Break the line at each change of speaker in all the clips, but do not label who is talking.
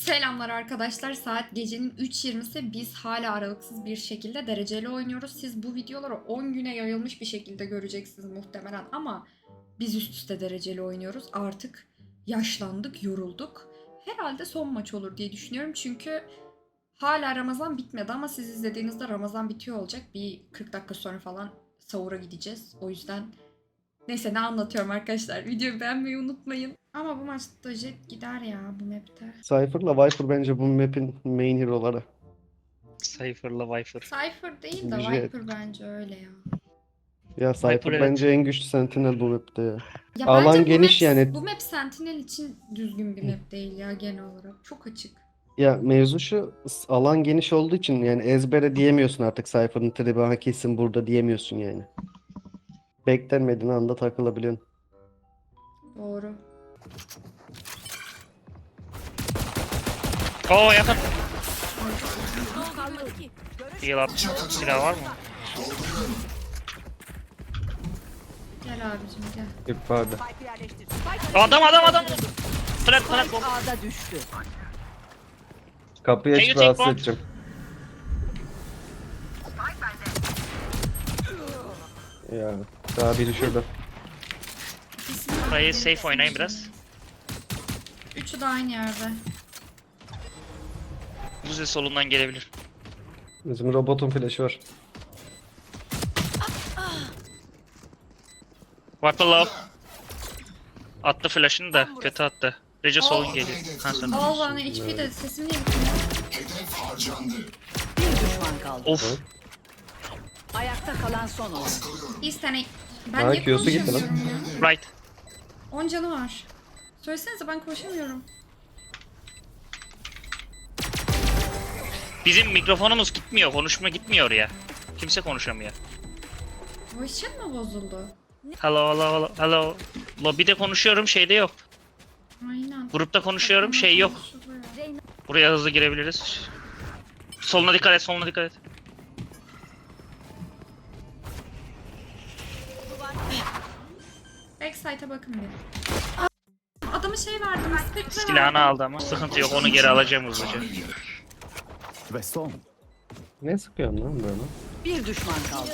Selamlar arkadaşlar. Saat gecenin 3.20'si. Biz hala aralıksız bir şekilde dereceli oynuyoruz. Siz bu videoları 10 güne yayılmış bir şekilde göreceksiniz muhtemelen ama biz üst üste dereceli oynuyoruz. Artık yaşlandık, yorulduk. Herhalde son maç olur diye düşünüyorum çünkü hala Ramazan bitmedi ama siz izlediğinizde Ramazan bitiyor olacak. Bir 40 dakika sonra falan sahura gideceğiz. O yüzden neyse ne anlatıyorum arkadaşlar. Videoyu beğenmeyi unutmayın. Ama bu maçta Jet gider ya bu map'te.
Cypher'la Viper bence bu map'in main hero'ları.
Cypher'la Viper.
Cypher değil de
Jet.
Viper bence öyle ya.
Ya Cypher
Viper, evet.
bence en güçlü sentinel bu map'te ya.
Ya
Alan
bence bu
geniş
map,
yani.
bu map Sentinel için düzgün bir map değil ya genel olarak. Çok açık.
Ya mevzu şu, alan geniş olduğu için yani ezbere diyemiyorsun artık Cypher'ın tribi ha kesin burada diyemiyorsun yani. Beklenmediğin anda takılabiliyorsun.
Doğru.
Oo yakın. Heal up. Silah var mı?
Gel abicim gel.
Bir pardon.
Adam. Plant bomb.
Ağda düştü.
Kapıyı
Can
açıp
you take
rahatsız
bomb?
edeceğim. Ya daha biri şurada.
Burayı safe oynayın biraz.
Üçü de aynı yerde.
Buze solundan gelebilir.
Bizim robotun flash'ı var.
Viper low. Attı flash'ını da kötü attı. Rece solun geliyor. Ha sen.
Al bana HP de sesim niye gitmiyor?
Bir düşman kaldı.
Of.
Ayakta kalan son oyun.
Bir tane. Ben
Ha,
niye
Q'su gitti lan.
konuşamıyorum ya?
Right.
10 canı var. Söylesenize ben konuşamıyorum.
Bizim mikrofonumuz gitmiyor. Konuşma gitmiyor ya. Kimse konuşamıyor.
Voice chat mi bozuldu?
Hello. Lobby'de konuşuyorum, şeyde yok.
Aynen.
Grupta konuşuyorum, şey yok. Buraya hızlı girebiliriz. Soluna dikkat et.
Backside'a bakın bir. Adamı şey verdim. Spectre
Silahını aldı ama. Sıkıntı yok, onu geri alacağım hızlıca.
Ve son.
Ne sıkıyorsun lan böyle?
Bir düşman kaldı.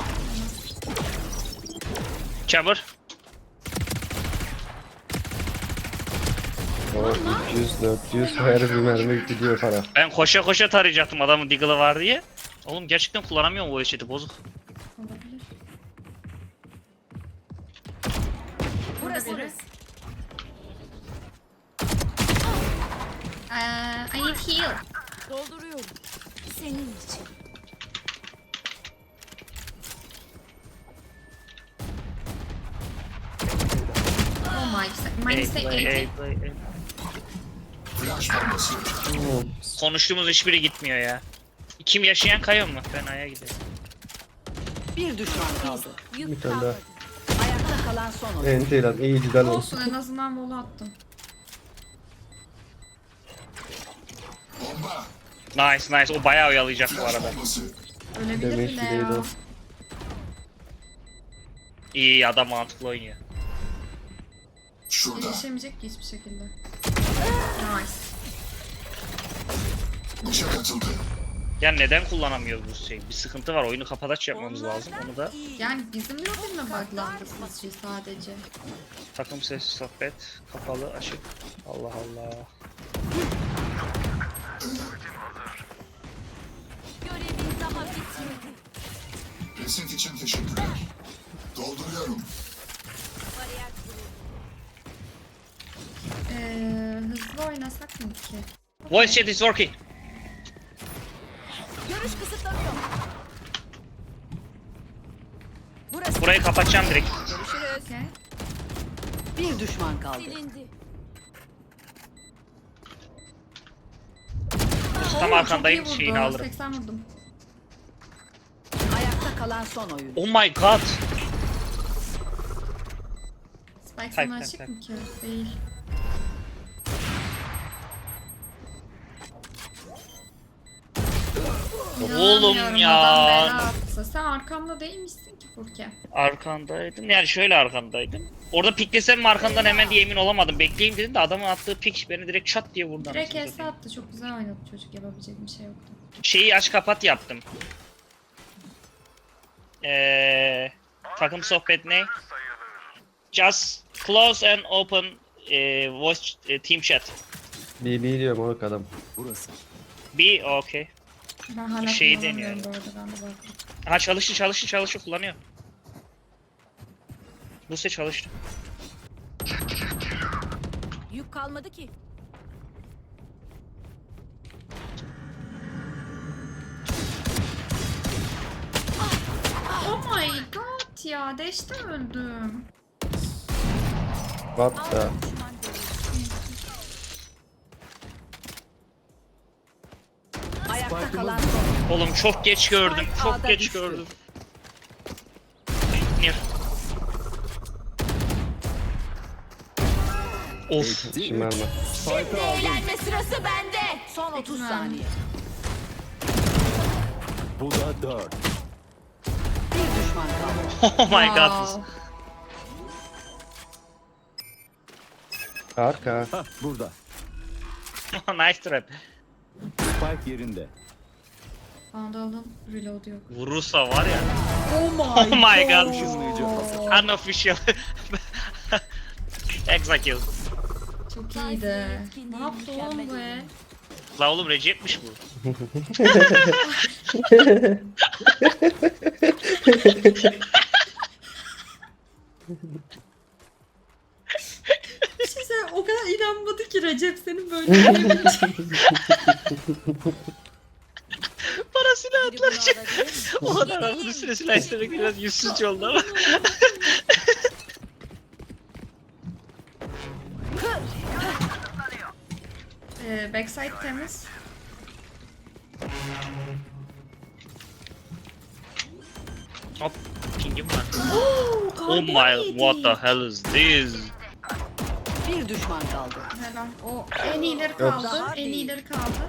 Chamber.
O 300-400 her bir mermi gidiyor para.
Ben koşa tarayacaktım adamın Deagle'ı var diye. Oğlum gerçekten kullanamıyorum o eşiti, bozuk.
olabilir.
Burası.
I need heal.
Dolduruyorum. Senin için.
Oh my. Minus 80.
Konuştuğumuz hiçbiri gitmiyor ya. Kim yaşayan kayıyor mu? Ben Aya gidiyorum.
Bir düşman kaldı.
Bir tane daha.
Ayakta kalan son oyun.
Enti lan iyi güzel olsun.
Olsun en azından volu attım.
Nice. O bayağı oyalayacak bu arada.
Ölebilir
Demek
bile
ki değil
ya.
o.
İyi adam mantıklı oynuyor.
Gelişemeyecek ki hiçbir şekilde. Nice.
Ya neden kullanamıyoruz bu şeyi? Bir sıkıntı var. Oyunu kapataç yapmamız lazım. Onu da
Yani bizim lobby mi buglandı sizce sadece?
takım sesi sohbet kapalı açık. Allah Allah.
Görevin daha bitmedi.
Reset için teşekkürler. Dolduruyorum.
Bariyer kuruldu.
Hızlı oynasak mı ki?
Voice chat is working.
Görüş kısıtlanıyor.
Burayı kapatacağım direkt.
Görüşürüz.
Okay.
Bir düşman kaldı.
Silindi.
Tam arkandayım,
Çok iyi
şeyini
vurdu.
alırım.
80 vurdum.
Ayakta kalan son oyun.
Oh my god.
Spike
Tak,
sana
tak,
açık
tak.
mı ki? Değil.
Oğlum
İnanmıyorum,
ya.
adam bela attı. atsa. Sen arkamda değil misin ki Furke?
Arkandaydım. Yani şöyle arkandaydım. Orada piklesem mi arkandan hemen diye emin olamadım. Bekleyeyim dedim de adamın attığı pik beni direkt çat diye vurdu.
Direkt
anasını
HS
satayım.
attı. Çok güzel oynadı çocuk. Yapabilecek bir şey yoktu.
Şeyi aç kapat yaptım. Takım sohbet ne? Just close and open voice team chat.
BB diyorum o adam.
Burası.
Be okay.
Ben hala
Şeyi
kullanamıyorum
deniyorum.
bu arada. Ben de baktım.
Ha çalıştı kullanıyor. Buse çalıştı.
Yük kalmadı ki.
Oh my god ya. Deşte öldüm.
What the?
Düşman görüldü.
Ayakta kalan son.
Oğlum çok geç gördüm.
Spike
Çok
A'da
geç
düştü.
gördüm. Nir. Of.
Şımarma.
Şimdi eğlenme sırası bende.
Son 30
Peki,
saniye.
Bu da 4.
Bir düşman kaldı.
Oh my god.
Wow.
Arka.
Hah burada.
Nice trap.
Spike yerinde.
Vandal'ın reload yok.
Vurursa var ya.
Oh my,
Oh my god.
Işınlayıcı hazır.
Unofficial. Execute.
Çok iyiydi. Ne yaptı oğlum bu?
La oğlum Recep'miş bu.
Bir şey söyleyeyim, o kadar inanmadı ki Recep senin böyle diyebileceğin.
Parasını
Biri bunu
atlar.
alabilir mi?
O kadar adamın üstüne silah istemek biraz yüzsüzce oldu ama.
Backside temiz.
Hop. Pingim var.
Oh,
Oh my, what the hell is this?
Bir düşman kaldı.
Helal. O en iyileri kaldı. En iyileri kaldı.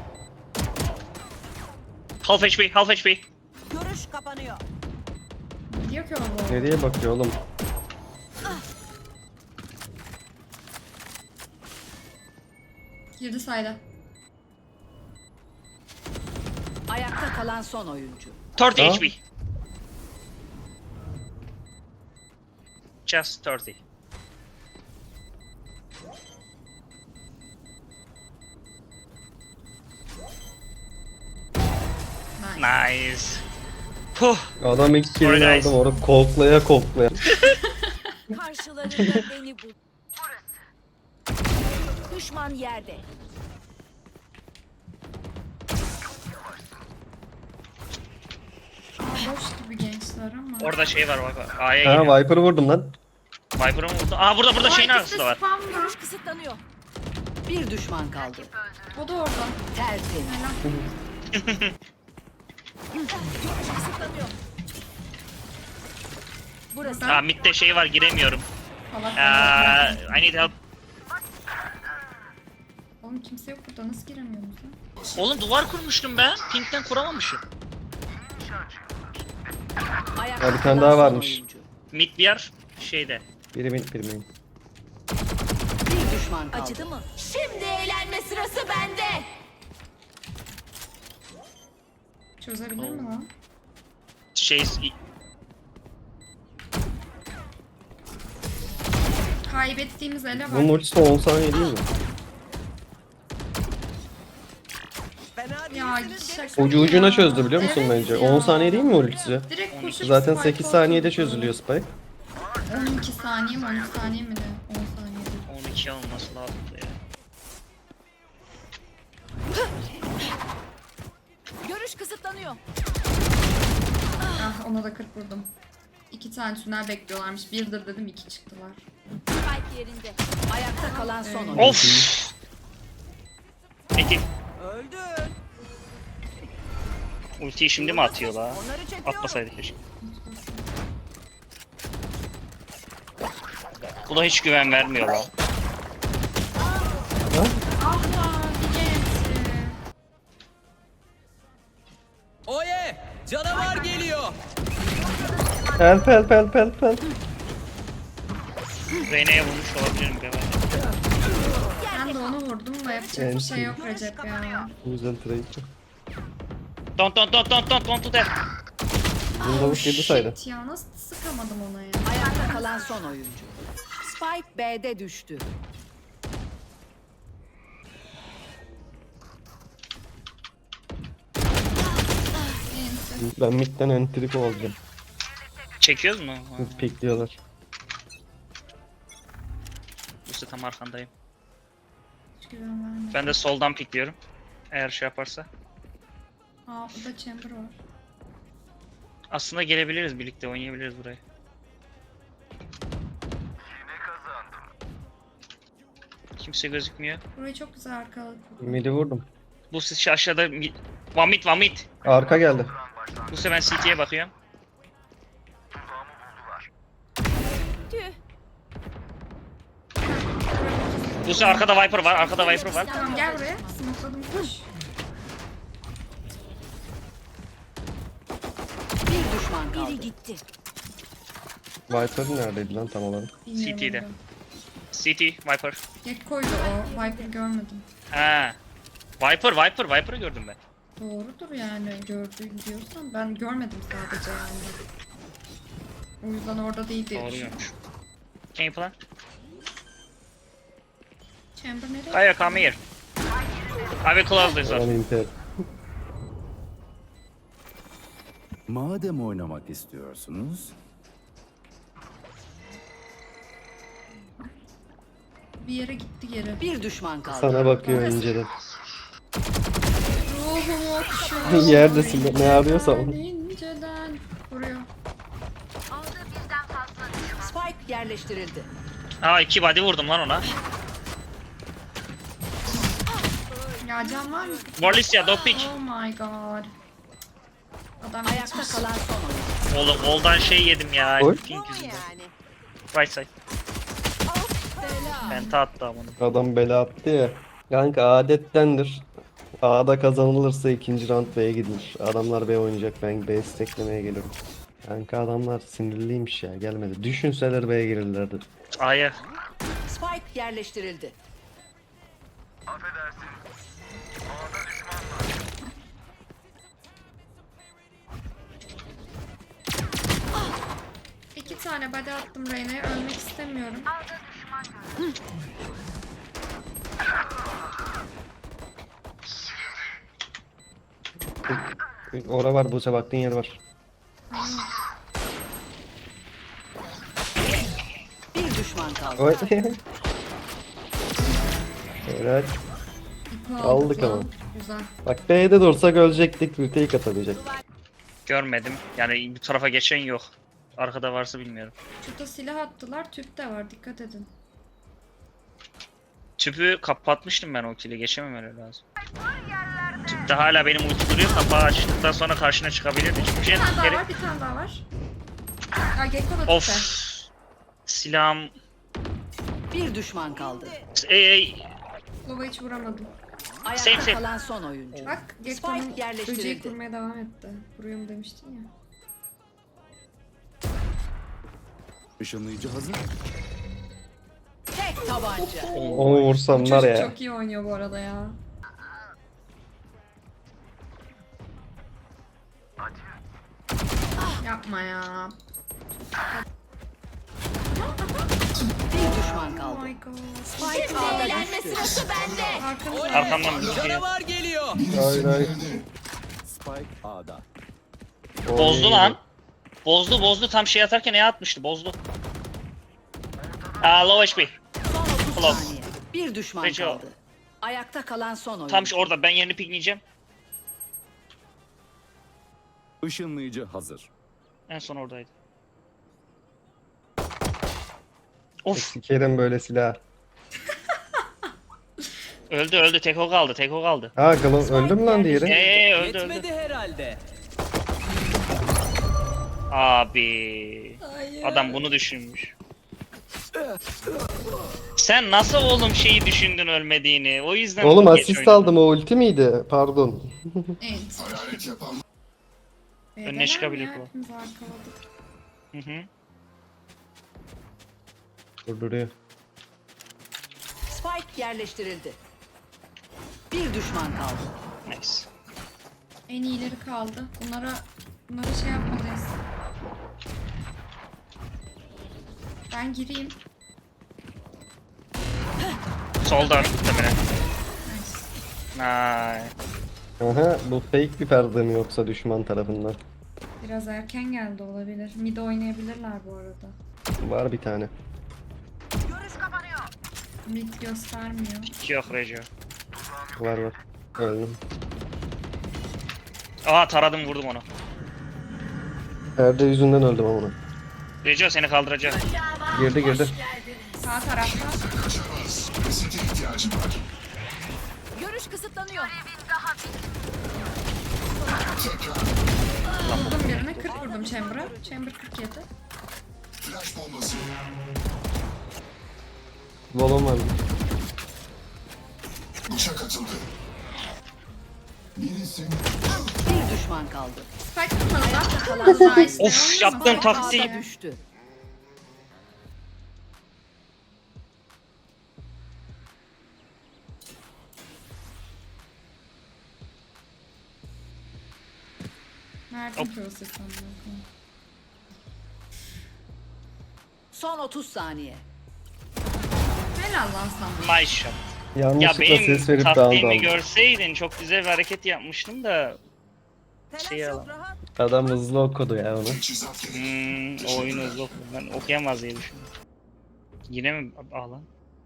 Half HP, half HP.
Görüş kapanıyor.
Diyor ki o.
Nereye bakıyor oğlum?
Girdi sayda.
Ayakta kalan son oyuncu.
30
Ha?
HP. Just 30. Nice. Puh.
Adam ilk
Sorry
killini
guys.
aldım orada koklaya koklaya.
Karşılarında beni bul. Düşman yerde.
Boş gibi gençler ama.
Orada şey var bak. A'ya
Ha
geliyor.
Viper'ı vurdum lan.
Viper'ı mı vurdu? Aa burada şeyin
Ay,
arkasında var.
spam mı?
Görüş kısıtlanıyor.
Bir düşman kaldı.
O da orada.
Tertemiz.
Görüş kısıtlanıyor. Burası.
Aa midde şey var giremiyorum.
Allah
I need help.
Oğlum kimse yok burada. Nasıl giremiyoruz lan?
Oğlum duvar kurmuştum ben. Pink'ten kuramamışım.
Ayakta
Ya bir tane
kalan
daha
son
varmış.
oyuncu.
Mid bir yer şeyde.
Biri min.
Bir düşman kaldı.
Acıdı mı? Şimdi eğlenme sırası bende.
Çözebilir mi lan?
Şey
Kaybettiğimiz ele
Bunun
bak.
ultisi 10 saniye değil mi?
Ya şaka
Ucu ucuna
ya.
çözdü biliyor musun
Evet
bence?
ya.
10 saniye değil mi ultisi?
Direkt koşup
Zaten
spike
8 saniyede
atıyordu.
çözülüyor Spike.
12 saniye mi 13 saniye mi ne? 10 saniye.
12 olması lazımdı ya.
Görüş kısıtlanıyor.
Ah ona da 40 vurdum. 2 tane tünel bekliyorlarmış. Birdir dedim 2 çıktılar.
Spike yerinde.
Ayakta kalan son oyuncu.
Of. Peki. Ultiyi şimdi mi atıyor la? Atmasaydı keşke. Bu da hiç güven vermiyor la.
Ah lan bir gençti.
Canavar geliyor.
Help help help help help.
Reyna'ya vurmuş olabilirim galiba.
Ben de onu vurdum da yapacak bir şey yok Recep ya.
Bu yüzden trade.
Don't do that.
Bizim lavuk 7 saydı.
Shit ya nasıl sıkamadım ona ya.
Ayakta kalan son oyuncu. Spike B'de düştü.
Ben midden entriko olacağım.
Çekiyoruz mu? Ha,
Pikliyorlar.
Buse tam arkandayım.
Hiç güven vermedim.
Ben de soldan pikliyorum. Eğer şey yaparsa.
Aa burada chamber var.
Aslında gelebiliriz, birlikte oynayabiliriz burayı. Kimse gözükmüyor.
Burayı çok güzel arkaladık.
Midi vurdum.
Bu siz aşağıda one mid.
Arka geldi.
Bu sefer ben CT'ye bakıyorum. Bu sefer arkada Viper var.
Tamam gel buraya. Smokladım koş.
Bir düşman kaldı.
Biri gitti.
Viper neredeydi lan tam olarak?
Bilmiyorum
CT'de.
onu.
CT Viper.
Gekko'ydu o. Viper görmedim.
Ha. Viper'ı gördüm ben.
Doğrudur yani gördüğün diyorsan ben görmedim sadece yani. O yüzden orada değil diye
Doğru
düşünüyorum.
görmüş. Can you plan?
Chamber nereye?
Kaya come here. I will close this
Ben
door.
inter.
Madem oynamak istiyorsunuz,
Bir yere gitti geri.
Bir düşman kaldı.
Sana bakıyor inceden.
Ruhum okşuyor.
Yerdesin ne arıyorsam.
İnceden vuruyor.
Spike yerleştirildi.
Aa 2 body vurdum lan ona.
Ya can var mı?
Morlisya dog pick.
Oh my god. Adam
Ayakta
geçmiş.
kalan son oyuncu.
Oğlum oldan şey yedim ya.
Oy.
Pink yüzünden. Right side. Penta attı amına.
Adam bela attı ya. Kanka adettendir. A'da kazanılırsa ikinci round B'ye gidilir. Adamlar B oynayacak, ben B steklemeye geliyorum. Kanka adamlar sinirliymiş ya, gelmedi. Düşünseler B'ye girirlerdi.
A'ya.
Spike yerleştirildi.
İki tane body attım Reyna'ya. Ölmek istemiyorum.
Ora var, Buse baktığın yer var.
Bir düşman kaldı.
Oy. Evet.
İpi
Aldık
lan.
ama.
Güzel.
Bak B'de dursak ölecektik, retake atabilecek.
Görmedim. Yani bu tarafa geçen yok. Arkada varsa bilmiyorum.
Şurada silah attılar. Tüp de var. Dikkat edin.
Tüpü kapatmıştım ben o kili. Geçemem öyle lazım. Tüpte hala benim ulti duruyor. Kapağı açtıktan sonra karşına çıkabilirdi. Çünkü
Bir
jet
tane daha
geri...
var. Bir tane daha var. Ya Gekko da
Of.
tüpe.
Silahım...
Bir düşman kaldı.
Lova hiç vuramadım.
Ayakta
Same.
kalan son oyuncu.
Bak Gekko'nun
Spike yerleştirildi.
böceği kurmaya devam etti. Vuruyorum demiştin ya.
ışınlayıcı hazır.
Tek tabanca.
Onu vursam var
Çocuk
ya.
çok iyi oynuyor bu arada ya. Yapma ya.
Bir düşman
Oh
kaldı.
my god.
Spike
Şimdi
A'da
eğlenme
düştü.
sırası bende.
Arkamızda.
Arkamdan bir şey.
Canavar geliyor.
Hayır hayır.
Spike A'da.
Bozdu lan. Bozdu. Tam şey atarken E atmıştı. Bozdu. Aa low HP.
Son 30
Ulan.
saniye. Bir düşman
Peki o.
kaldı. Ayakta kalan son oyuncu.
Tam orada. Ben yerini pikleyeceğim.
Işınlayıcı hazır.
En son oradaydı. Of.
Sikerim böyle silah.
Öldü. Tek o kaldı.
Ha öldü mü lan diğeri?
Öldü.
Yetmedi herhalde.
Abi.
Hayır.
Adam bunu düşünmüş. Sen nasıl oğlum şeyi düşündün ölmediğini? O yüzden
Oğlum
geç
asist
oynadın.
aldım, o ulti miydi? Pardon.
Evet.
Hayalet yapan
B'deler
çıkabilir
mi ya?
bu.
Hepimiz arkaladık.
Hı hı.
Durduruyor.
Spike yerleştirildi. Bir düşman kaldı.
Nice.
En iyileri kaldı. Bunlara şey yapmalıyız. Ben gireyim.
Soldan muhtemelen.
Nice.
Nice.
Aha, bu fake bir perde mi yoksa düşman tarafından?
Biraz erken geldi olabilir. Mid oynayabilirler bu arada.
Var bir tane.
Mid göstermiyor.
Yok Rejo.
Var. Öldüm.
Aa taradım vurdum onu.
Perde yüzünden öldüm ama.
Rejo seni kaldıracak.
Girdi.
Sağ tarafta.
Kaçamaz. Resete ihtiyacım var.
Görüş kısıtlanıyor.
Tekrar.
Vurdum birine. 40 vurdum Chamber'a. Chamber 47.
Flash bombası.
Volum var.
Bıçak atıldı. Birisi
Bir düşman kaldı.
Spike tutmadılar. Azra işte.
Of, yaptığım
Olmaz.
taktiği-
Ağda düştü.
Mert'in prosesi sanırım.
Son 30 saniye.
Helal lan sana.
Nice shot. Ya
Yanlışlıkla
benim
ses verip
taktiğimi
dağıldı.
görseydin çok güzel bir hareket yapmıştım da. Şey ya.
Adam hızlı okudu ya onu.
teçhizat gerek.
O oyunu hızlı okudum. Ben okuyamaz diye düşündüm. Yine mi ağlan?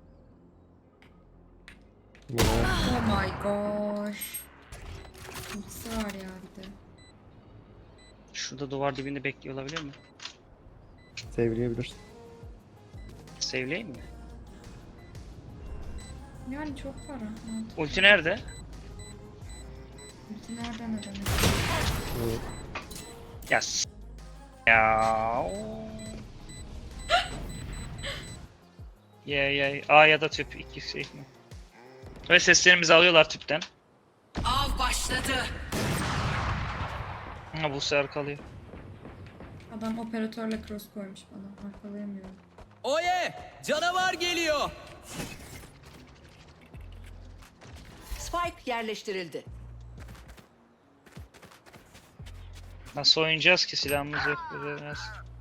Ya,
Oh my gosh. Ultisi var ya bir de.
Şurada duvar dibinde bekliyor olabilir mi?
Sevleyebilirsin.
Sevleyeyim mi?
Yani çok para. Mantıklı.
Ulti nerede?
Ulti nereden ödemek?
Ya ya. Ya A ya da tüp iki şey mi? Ve seslerimizi alıyorlar tüpten.
Av başladı.
Ha bu sefer kalıyor.
Adam operatörle cross koymuş bana. Arkalayamıyorum.
Oye! Canavar geliyor.
Spike yerleştirildi.
Nasıl oynayacağız ki silahımız yok biraz.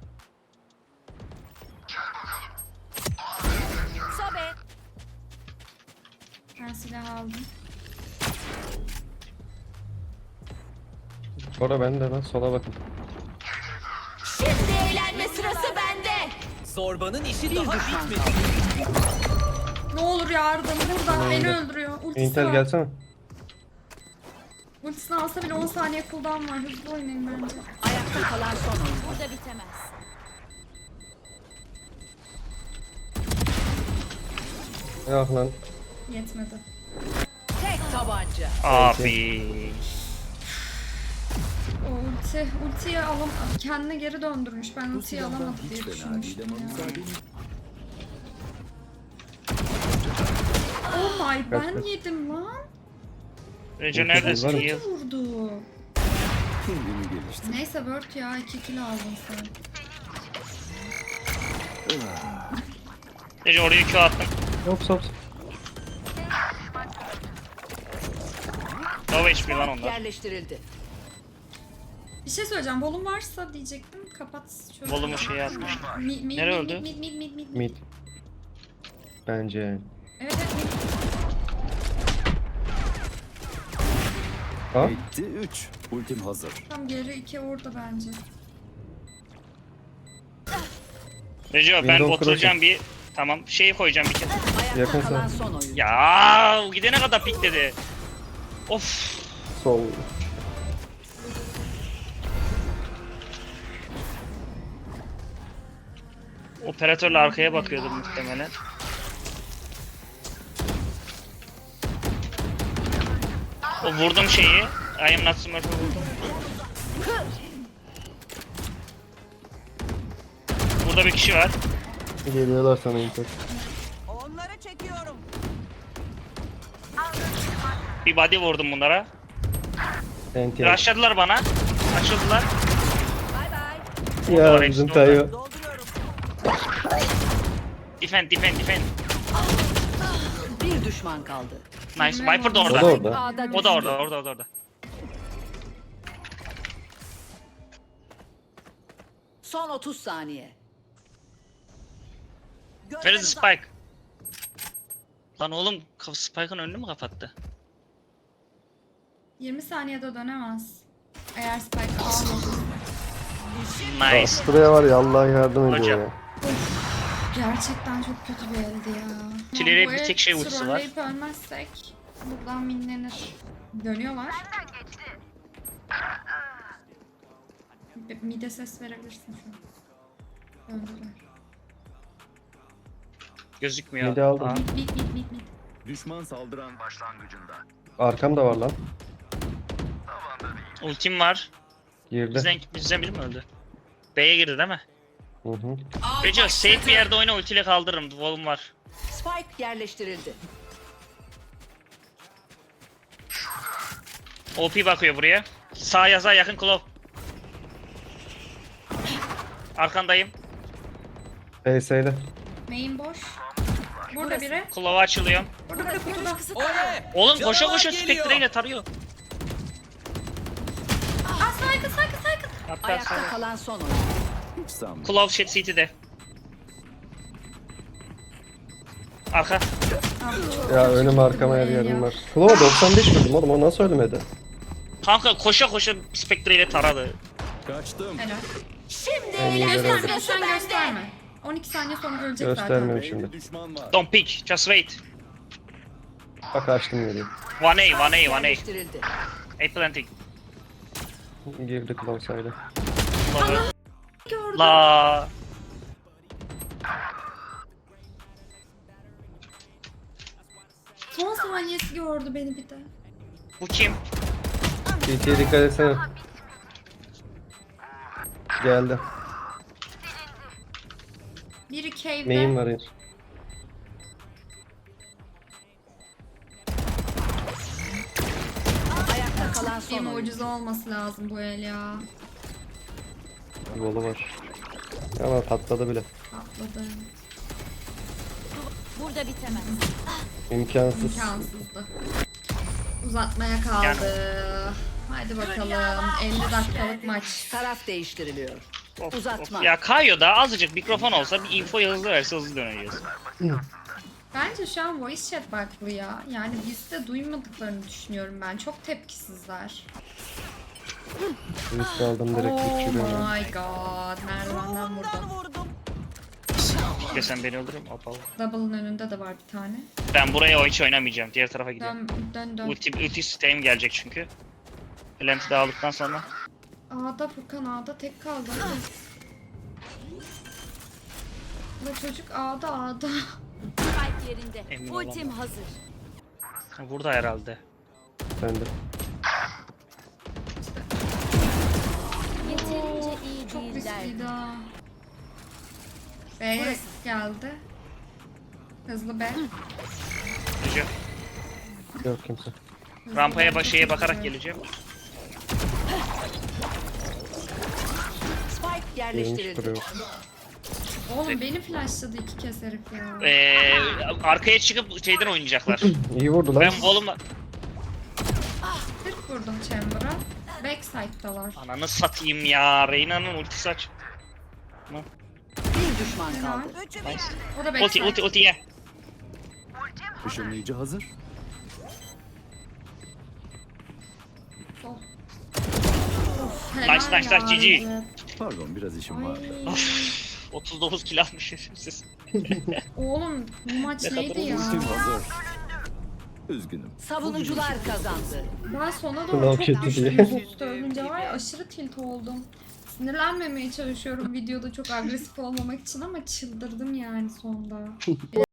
Sobe.
Ben silah aldım.
Sonra ben de lan sola bakın.
Şimdi eğlenme sırası bende.
Zorbanın işi
Bir
daha
düşman
bitmedi.
kaldı.
Ne olur yardım burada. Beni öldürüyor. Ultisi
Intel
var.
gelsene.
Ultisini alsa bile 10 saniye cooldown var. Hızlı oynayın bence.
Ayakta kalan son oyun.
Burada bitemez.
Yok lan.
Yetmedi.
Tek tabanca.
Abi.
O ultiyi kendine geri döndürmüş. Ben
Bu
ultiyi
silahdan
alamadım diye
hiç fena
düşünmüştüm
değil ama
ya.
müsaadeniz.
Oh my, ben
Kaç.
yedim lan.
Rejo
Ulti
neredesin?
var mı?
Heal.
Vurdu.
Kendimi geliştir.
Neyse Word ya 2 kill aldın sen.
Rejo oraya Q attım.
Yok.
No HP lan
Spike
onlar.
yerleştirildi.
Bir şey söyleyeceğim. Volum varsa diyecektim. Kapat şöyle.
Volumu şey atmış. Nereye öldü?
Mid.
Mid. Bence yani.
Evet mid.
Ha?
Bitti 3. Ultim hazır.
Tam geri 2 orada bence.
Rejo ben
Window
oturacağım bir. Tamam şeyi koyacağım bir kere.
Ayakta
Yakın
kalan
sağ.
son oyun.
Ya gidene kadar pikledi. Of.
Sol.
Operatörle arkaya bakıyordu muhtemelen. O vurdum şeyi. I am not smurf'ı vurdum. Burada bir kişi var.
Geliyorlar sana Intel.
Onları çekiyorum.
Bir body vurdum bunlara.
NT.
Rushladılar bana. Açıldılar.
Bay bay.
Ya
Doğru,
bizim
hepsi orada.
Tayo.
Dolduruyorum.
Defend.
Bir düşman kaldı.
Nice. Viper da
O da
orada.
orada.
A'da
O da orada.
Son 30 saniye.
Where is the Spike? Lan oğlum Spike'ın önünü mü kapattı?
20 saniyede dönemez. Eğer Spike almadı.
Nice.
Buraya var ya Allah yardım ediyor
Hocam.
ya.
Gerçekten çok kötü bir eldi ya.
Çileğe
Bu
bir
el
tek şey ultisi var.
trolleyip ölmezsek buradan minlenir. Dönüyorlar. Mide ses verebilirsin şu an. Döndüler.
Gözükmüyor.
Midi aldım.
Aa,
Mid.
Düşman saldıran başlangıcında.
Arkamda var lan.
ultim var.
Girdi.
Bizden biri mi öldü? B'ye girdi değil mi?
Hı hı.
Reco safe bir yerde oyna ultiyle kaldırırım. Volum var.
Spike yerleştirildi.
OP bakıyor buraya. Sağ yaza yakın Claw. Arkandayım.
PS'yle.
Main boş. Burada biri.
Claw'a açılıyorum.
Burada kutuda.
Oye!
Oğlum koşa
Canavar
koşa
geliyor.
Spectre ile tarıyor.
Aa saygı.
Hatta
Ayakta
sonra.
kalan son oyun.
Hiç sanmıyorum.
Claw shit CT'de. Arka.
Ya önüm arkama her yerim var. Klova 95 vurdum oğlum o nasıl ölmedi?
Kanka koşa koşa Spectre ile taradı.
Kaçtım.
Helal.
Şimdi
En iyi
eğlenme
görev.
Gösterme
sırası
sen
bende.
gösterme. 12 saniye sonra ölecek
Göstermiyorum
zaten.
şimdi.
Bir düşman var.
Don't peek. Just wait.
Bak açtım geliyor.
1A.
Yerleştirildi.
A planting.
Girdi Klova saydı.
Claw'ı.
Gördüm.
La.
Son saniyesi gördü beni bir de.
Bu kim?
CT'ye dikkat etsene. Geldi.
Biri cave'de.
Main var ya.
Ayakta kalan son
Bir
oyun.
mucize olması lazım bu el ya.
Volu var. Ama patladı bile.
Atladı.
Burada bitemez.
İmkansız.
İmkansızdı. Uzatmaya kaldı. Haydi bakalım. 50 dakikalık maç.
Taraf değiştiriliyor.
Of,
Uzatma.
Ya Kayo'da azıcık mikrofon olsa bir info hızlı verse hızlı döneceğiz.
Bence şu an voice chat baklı ya. Yani biz de duymadıklarını düşünüyorum ben. Çok tepkisizler.
Risk aldım direkt
Oh
uçuruyorum.
my god. Merdivenden vurdum.
Desen beni öldürürüm. Apal.
Double'ın önünde de var bir tane.
Ben buraya hiç oynamayacağım. Diğer tarafa gidiyorum.
Dön.
Ulti sistem gelecek çünkü. Lenti de aldıktan sonra.
A'da Furkan A'da tek kaldı. La çocuk A'da.
Spike yerinde.
Emin
Ultim
olamam.
hazır.
Burada herhalde.
Ben de.
Yeterince iyi
Çok
değiller.
riskliydi ha. B'ye geldi. Hızlı B.
Gideceğim.
Yok kimse.
Hızlı
Rampaya
B,
şeye
çok
bakarak
hızlı.
geleceğim.
Spike
Girmiş
yerleştirildi.
duruyor.
Oğlum beni flashladı 2 kez herif ya.
Arkaya çıkıp şeyden oynayacaklar.
İyi vurdu lan.
Ben volumla...
40 vurdum Chamber'a. Backside'dalar.
Ananı satayım ya. Reyna'nın ultisi aç.
Bir düşman kaldı.
Nice.
O da backside.
Ulti ye.
Işınlayıcı hazır.
Sol.
Nice, nice,
ya,
GG.
Recep.
Pardon biraz işim
Ay.
var.
39 kill almış siz.
Oğlum bu maç
Ne kadar
neydi ya?
Ultim hazır. Üzgünüm.
Savunucular kazandı.
Ben sona
Sınav
doğru çok
kötü
düştüm
diye.
üst üste ölünce var ya aşırı tilt oldum. Sinirlenmemeye çalışıyorum videoda çok agresif olmamak için ama çıldırdım yani sonda. Bir de